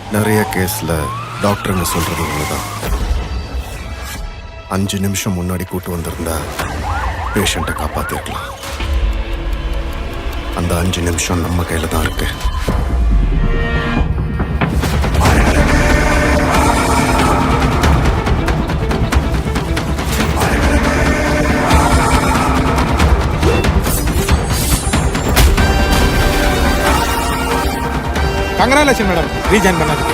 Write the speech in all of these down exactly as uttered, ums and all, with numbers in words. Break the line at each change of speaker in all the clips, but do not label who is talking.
நிறைய கேஸ்ல டாக்டருங்க சொல்றது ஒண்ணுதான். அஞ்சு நிமிஷம் முன்னாடி கூட்டு வந்திருந்தா பேஷண்ட்டை காப்பாத்திருக்கலாம். அந்த அஞ்சு நிமிஷம் நம்ம கையில தான் இருக்கு.
கங்க்ராச்சுலேஷன் மேடம், ரீஜாயின் பண்ணதுக்கு.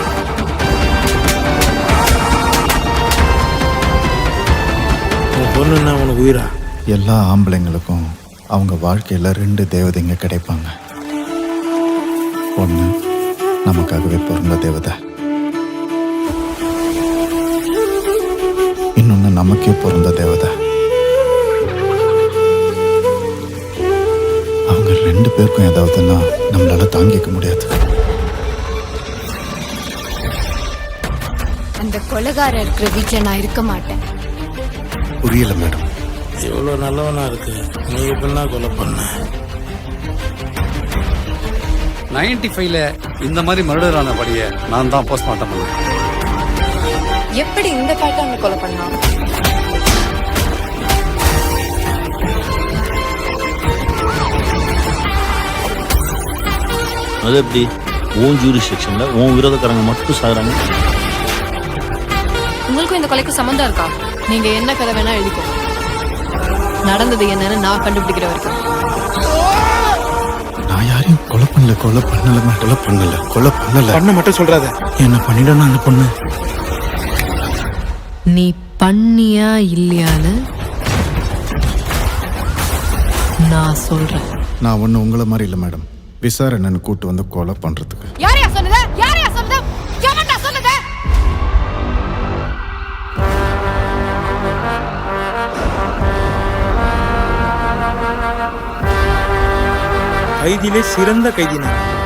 பொண்ணுன்னா உனக்கு உயிரா?
எல்லா ஆம்பளைங்களுக்கும் அவங்க வாழ்க்கையில ரெண்டு தேவதைங்க கிடைப்பாங்க. ஒண்ணு நமக்காகவே பிறந்த தேவதை, இன்னொன்னு நமக்கே பிறந்த தேவதை. அவங்க ரெண்டு பேருக்கும் ஏதாவதுன்னா நம்மளால தாங்கிக்க முடியாது.
அந்த கொலைகாரர் இருக்கிற வீட்டில் நான் இருக்க மாட்டேன்.
புரியல மேடம்.
எவ்வளோ நல்லவனா இருக்கு, நீ எப்படின்னா கொலை பண்ண?
நைன்டி ஃபைவ்ல இந்த மாதிரி மர்டர் ஆன படியை நான் தான் போஸ்ட்மார்ட்டம் பண்ணேன்.
எப்படி இந்த பேட்டர்ல கொலை பண்ணான்?
அது எப்படி உன் ஜூரிஸ்டிக்ஷன்ல உன் விரோதக்காரங்க மட்டும் சாகுறாங்க?
உங்களுக்கும் இந்த கொலைக்கு சம்மந்தம் இருக்கா? நீங்க என்ன கதை வேணா எழுதிக்கோ. நடந்தது என்னன்னு நான் கண்டுபிடிக்கிற வரைக்கும்.
நான் யாரையும் கொலை பண்ணல, கொலை பண்ணல, கொலை பண்ணல, கொலை பண்ணல.
பண்ண மட்டும் சொல்றாத.
என்ன பண்ணிடணும் அந்த பொண்ணு?
நீ பண்ணியா இல்லையான்னு நான் சொல்றேன்.
நான் ஒண்ணு உங்களை மாதிரி இல்லை மேடம். விசாரணைன்னு கூட்டு வந்து கொலை பண்றதுக்கு.
யாரையா சொன்னது? யாரையா சொன்னது? எவன்டா சொன்னது?
கைதியிலே சிறந்த கைதி நான்.